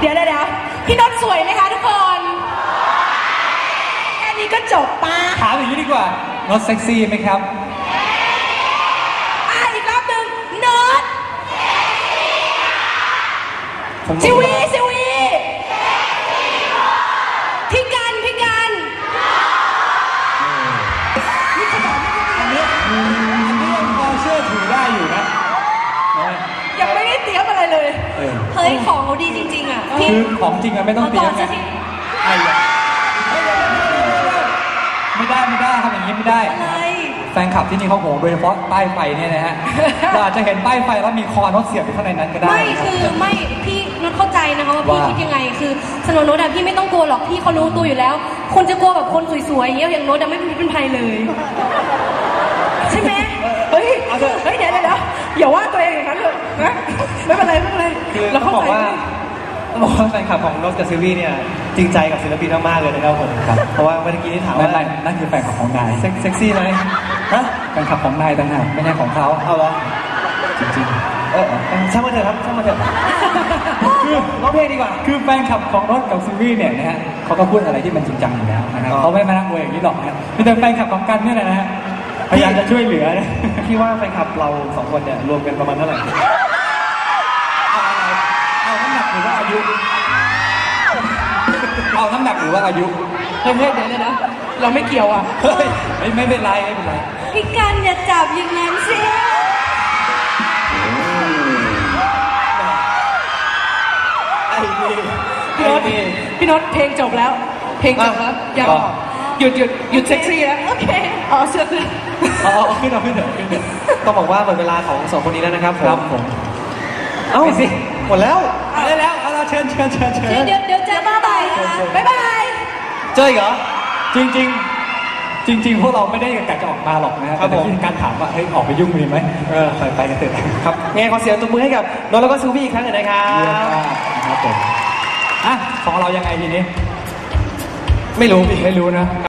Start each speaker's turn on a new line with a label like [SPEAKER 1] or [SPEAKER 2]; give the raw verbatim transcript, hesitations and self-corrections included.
[SPEAKER 1] เดี๋ยวเดี๋ยวพี่นนท์สวยไหมคะทุกคนแค่นี้ก็จบปะ
[SPEAKER 2] ถามอย่างนี้ดีกว่าโน้ตเซ็กซี่ไหมครับ
[SPEAKER 1] อ่ะอีกรอบหนึ่งโน้ตซิวีซิวีพี่กันพี่กัน
[SPEAKER 2] อันนี้อันนี้ยังพอเชื่อถือได้อยู่นะ
[SPEAKER 1] ยังไม่ได้เตรียมอะไรเลยเฮ้ยของเขาดีจริงๆอ่ะ
[SPEAKER 2] คือของจริงอะไม่ต้องเตรียมไงไอ้ไม่ได้ไม่ได้ทำอย่างนี้ไม่ได้แฟนคลับที่นี่เขาโหโดยเฉพาะป้ายไฟเนี่ยนะฮะเราอาจจะเห็นป้ายไฟแล้วมีคอโน้ตเสียบอยู่ข้างในนั้นก็ได้
[SPEAKER 1] ไม่คือไม่พี่โน้ตเข้าใจนะคะว่าพี่คิดยังไงคือสำหรับโน้ตอะพี่ไม่ต้องกลัวหรอกพี่เขารู้ตัวอยู่แล้วคนจะกลัวแบบคนสวยๆอย่างเงี้ยอย่างโน้ตอะไม่เป็นภัยเลยใช่ไหมเฮ้ยเฮ้ยเดี๋ยวเดี๋ยวอย่าว่าตัวเองอย่างนั้นเลยนะไม่เป็นไรไม่เป็นไร
[SPEAKER 3] เราเข้าใจต้องบอกว่าแฟนคลับของโน้ตกับซิลวี่เนี่ยจริงใจกับศิลปินมากๆเลยนะครับผมเพราะว่าเมื่อกี้ที่ถามว่า
[SPEAKER 2] นั่นคือแฟนคลับของนาย
[SPEAKER 3] เซ็กซี่ไหมฮะ
[SPEAKER 2] แฟนคลับของนายต่างหากไม่ใช่ของเขา
[SPEAKER 3] เอาเหรอ
[SPEAKER 2] จริง
[SPEAKER 3] ๆเออช่างมาเถอะครับช่างมาเถอะคือร้องเพลงดีกว่า
[SPEAKER 2] คือแฟนคลับของโน้ตกับซิลวี่เนี่ยนะฮะเขาก็พูดอะไรที่มันจริงจังอยู่แล้วนะครับเขาไม่มานั่งอวยอย่างนี้หรอกนะแต่แฟนคลับของกันเนี่ยนะฮะพยายามจะช่วยเหลือ
[SPEAKER 3] พี่ว่าแฟนคลับเราสองคนเนี่ยรวมกันประมาณเท่าไหร่
[SPEAKER 2] เอาน้ำหนักหรือว่าอายุเอาน้ำหนักหรือว่าอายุ
[SPEAKER 1] เฮ้ยเดี๋ยวเลยนะเราไม่เกี่ยวอ่ะ
[SPEAKER 2] เฮ้ยไม่เป็นไรไม่เป็นไร
[SPEAKER 1] พี่กันอย่าจับอย่างนั้นสิ
[SPEAKER 3] ไอ้นี่
[SPEAKER 1] พี่โน้ตพี่โน้ตเพลงจบแล้วเพลงจบแล้วอย่าหยุดหยุดหยุดเซ็กซี่แล้วโอเคอ๋อเสื้อขึ้น
[SPEAKER 3] อ๋อขึ้นเอาขึ้นเถอะขึ้นเถอะต้องบอกว่าหมดเวลาของสองคนนี้แล้วนะครับ
[SPEAKER 2] ครับผม
[SPEAKER 3] เอ้าสิหมดแล้ว
[SPEAKER 2] ได้แล้วเอาเราเชิญเชิญเชิญเชิญ
[SPEAKER 1] เดี๋ยวเดี๋ยวเจอบ๊ายบายบ๊ายบาย
[SPEAKER 3] เจออีกเหรอ
[SPEAKER 2] จริงจริงจริงจริงพวกเราไม่ได้กะจะออกมาหรอกนะครับแต่ที่การถามว่าเฮ้ยออกไปยุ่งมีไหมเออไปกันเถอะ
[SPEAKER 3] ครับไงขอเสียงตบมือให้กับโน้ตแล้วก็ซิลวี่อีกครั้งหนึ่งนะครับ
[SPEAKER 2] ครับผมอ่ะของเรายังไงทีนี้
[SPEAKER 3] ไม่รู้
[SPEAKER 2] ไม่รู้นะ